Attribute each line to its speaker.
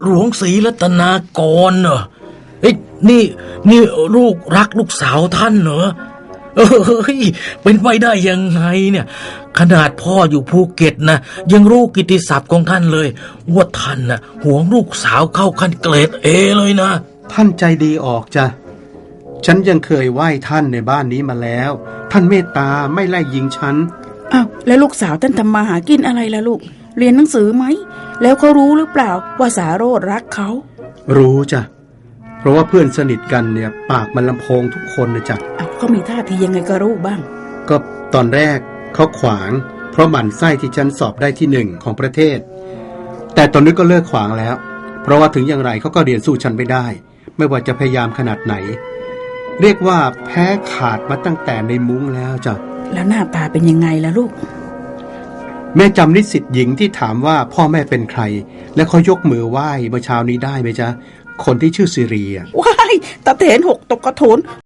Speaker 1: หลวงศรีรัตนากรเหรอเฮ้ยนี่ลูกรักลูกสาวท่านเหรอเฮ้ยเป็นไปได้ยังไงเนี่ยขนาดพ่ออยู่ภูเก็ตนะยังรู้กิตติศัพท์ของท่านเลยว่าท่านน่ะหวงลูกสาวเข้าขั้นเกรดเอเลยนะ
Speaker 2: ท่านใจดีออกจ้ะฉันยังเคยไหว้ท่านในบ้านนี้มาแล้วท่านเมตตาไม่ไล่ยิงฉัน
Speaker 3: อ้าวแล้วลูกสาวท่านทำมาหากินอะไรล่ะลูกเรียนหนังสือไหมแล้วเขารู้หรือเปล่าว่าสาโรจน์รักเขา
Speaker 2: รู้จ้ะเพราะว่าเพื่อนสนิทกันเนี่ยปากมันลำโพงทุกคนเลยจ้ะ
Speaker 3: เขามีท่าทียังไงก็รู้บ้าง
Speaker 2: ก็ตอนแรกเขาขวางเพราะหมั่นไส้ที่ฉันสอบได้ที่1ของประเทศแต่ตอนนี้ก็เลิกขวางแล้วเพราะว่าถึงอย่างไรเขาก็เรียนสู้ฉันไม่ได้ไม่ว่าจะพยายามขนาดไหนเรียกว่าแพ้ขาดมาตั้งแต่ในมุ้งแล้วจ้ะ
Speaker 3: แล้วหน้าตาเป็นยังไงล่ะลูก
Speaker 2: แม่จำนิสิตหญิงที่ถามว่าพ่อแม่เป็นใครและเขายกมือไหว้เมื่อเช้านี้ได้ไหมจ๊ะคนที่ชื่อสิริ
Speaker 3: ว้ายตาเถนหกตกกระโถน